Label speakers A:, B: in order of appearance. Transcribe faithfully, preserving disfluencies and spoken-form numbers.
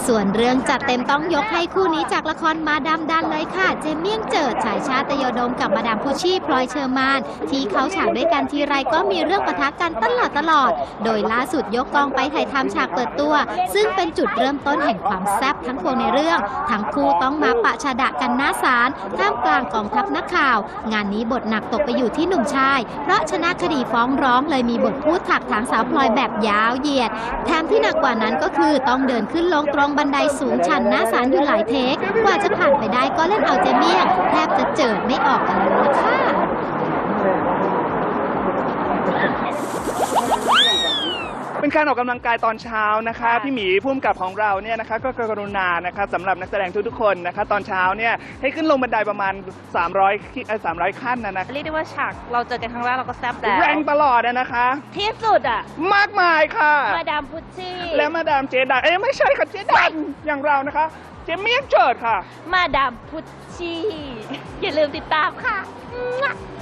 A: ส่วนเรื่องจัดเต็มต้องยกให้คู่นี้จากละครมาดามดันเลยค่ะเจมเมี่ยงเจิดฉายชาตยโดมกับมาดามพุชชี่พลอยเชอร์มานที่เขาฉากด้วยกันทีไรก็มีเรื่องปะทะกันตลอดตลอดโดยล่าสุดยกกองไปถ่ายทำฉากเปิดตัวซึ่งเป็นจุดเริ่มต้นแห่งความแซ่บทั้งพวงในเรื่องทั้งคู่ต้องมาปะชาดะกันหน้าศาลท่ามกลางกองทัพนักข่าวงานนี้บทหนักตกไปอยู่ที่หนุ่มชายเพราะชนะคดีฟ้องร้องเลยมีบทพูดถักถางสาวพลอยแบบยาวเหยียดแถมที่หนักกว่านั้นก็คือต้องเดินขึ้นลงตรงบันไดสูงชันหน้าศาลอยู่หลายเทคกว่าจะผ่านไปได้ก็เล่นเอาเจเมี่ยงแทบจะเจิดไม่ออกกันเลยล่ะค่ะ
B: เป็นการออกกำลังกายตอนเช้านะคะพี่หมีผู้กำกับของเราเนี่ยนะคะก็กรุณานะคะสำหรับนักแสดงทุกๆคนนะคะตอนเช้าเนี่ยให้ขึ้นลงบันไดประมาณสามร้อยเอ่อสามร้อยขั้นนะนะ
C: เรียกได้ว่าฉากเราเจอกันครั้งแรกเราก็แซ่บแล้ว
B: แรงตลอดนะคะ
C: ที่สุดอ่ะ
B: มากมายค่ะ
C: มาดามพุชชี่
B: และมาดามเจดันเอ้ยไม่ใช่ค่ะเจดันอย่างเรานะคะเจเมี่ยงเจิดค่ะ
C: มาดามพุชชี่อย่าลืมติดตามค่ะ